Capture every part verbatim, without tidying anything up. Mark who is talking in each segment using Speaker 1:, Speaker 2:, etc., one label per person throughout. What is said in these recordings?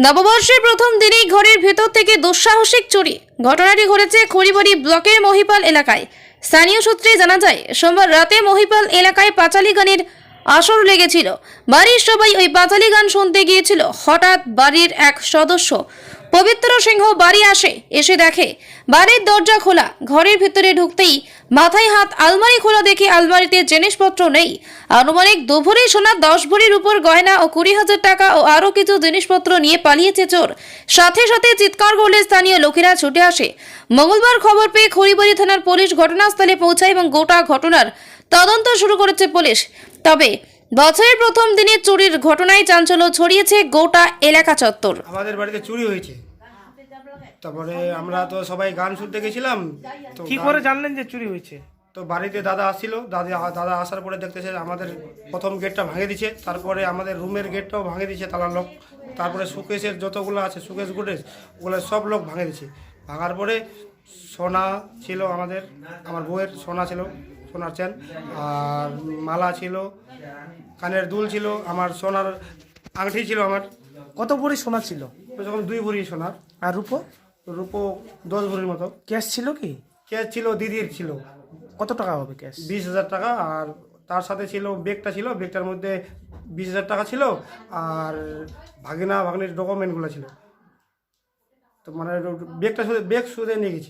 Speaker 1: নববর্ষের প্রথম দিনেই ঘরের ভেতর থেকে দুঃসাহসিক চুরি। ঘটনাটি ঘটেছে খড়িবাড়ি ব্লকের মহিপাল এলাকায়। স্থানীয় সূত্রে জানা যায়, সোমবার রাতে মহিপাল এলাকায় পাঁচালী গানের আসর লেগেছিল। বাড়ির সবাই ওই পাঁচালী গান শুনতে গিয়েছিল। হঠাৎ বাড়ির এক সদস্য পবিত্র সিংহ বাড়ি আসে। এসে দেখে বাড়ির দরজা খোলা। ঘরের ভিতরে ঢুকতেই মাথায় হাত, আলমারি খোলা দেখে আলমারিতে জিনিসপত্র নেই। আনুমানিক দু ভরি সোনা, দশ ভরির উপর গয়না ও কুড়ি হাজার টাকা ও আরও কিছু জিনিসপত্র নিয়ে পালিয়েছে চোর। সাথে সাথে চিৎকার করলে স্থানীয় লোকেরা ছুটে আসে। মঙ্গলবার খবর পেয়ে খড়িবাড়ি থানার পুলিশ ঘটনাস্থলে পৌঁছায় এবং গোটা ঘটনার তদন্ত শুরু করেছে পুলিশ। তবে বছরের প্রথম দিনে চুরির ঘটনায় চাঞ্চল্য ছড়িয়েছে গোটা এলাকা চত্বর।
Speaker 2: আমাদের বাড়িতে চুরি হয়েছে, তারপরে আমরা তো সবাই গান শুনতে গেছিলাম। তো
Speaker 3: কি করে জানলেন যে চুরি হয়েছে?
Speaker 2: তো বাড়িতে দাদা আসছিল, দাদা দাদা আসার পরে দেখতেছে আমাদের প্রথম গেটটা ভাঙে দিচ্ছে, তারপরে আমাদের রুমের গেটটাও ভাঙে দিচ্ছে তালা লোক, তারপরে সুকেশের যতগুলো আছে সুকেশ গুটেশ ওগুলো সব লোক ভাঙে দিচ্ছে। ভাঙার পরে সোনা ছিল আমাদের, আমার বউয়ের সোনা ছিল, সোনার চেন আর মালা ছিল, কানের দুল ছিল, আমার সোনার আংটি ছিল। আমার
Speaker 3: কত ভরি সোনা ছিল?
Speaker 2: যখন দুই ভরি সোনার,
Speaker 3: আর রূপো?
Speaker 2: রূপো দশ ভরির মতো।
Speaker 3: ক্যাশ ছিল কি?
Speaker 2: ক্যাশ ছিল, দিদির ছিল
Speaker 3: কত টাকা হবে ক্যাশ?
Speaker 2: বিশ হাজার টাকা। আর তার সাথে ছিল ব্যাগটা ছিল, ব্যাগটার মধ্যে বিশ হাজার টাকা ছিল আর ভাগিনা ভাগনির ডকুমেন্টগুলো ছিল। তো মানে ব্যাগটা শুধু ব্যাগ শুধু নিয়ে গেছে।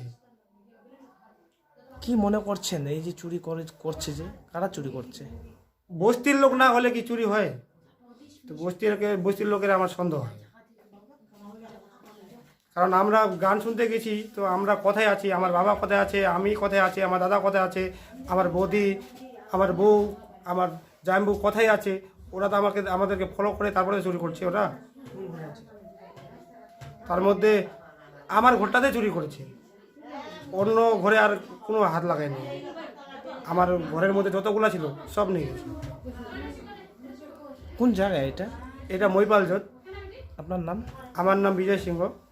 Speaker 3: কি মনে করছেন এই যে চুরি করে করছে, যে কারা চুরি করছে?
Speaker 2: বস্তির লোক না হলে কি চুরি হয়? তো বস্তির বস্তির লোকের আমার সন্দেহ হয়, কারণ আমরা গান শুনতে গেছি। তো আমরা কোথায় আছি, আমার বাবা কোথায় আছে, আমি কোথায় আছি, আমার দাদা কোথায় আছে, আমার বৌদি, আমার বউ, আমার জামাইবউ কোথায় আছে, ওরা তো আমাকে আমাদেরকে ফলো করে তারপরে চুরি করছে। ওরা তার মধ্যে আমার ঘরটাতে চুরি করেছে, অন্য ঘরে আর কোনো হাত লাগায়নি। আমার ঘরের মধ্যে যতগুলো ছিল সব নিয়ে গেছে।
Speaker 3: কোন জায়গায় এটা?
Speaker 2: এটা মহিপাল জোট।
Speaker 3: আপনার নাম?
Speaker 2: আমার নাম বিজয় সিংহ।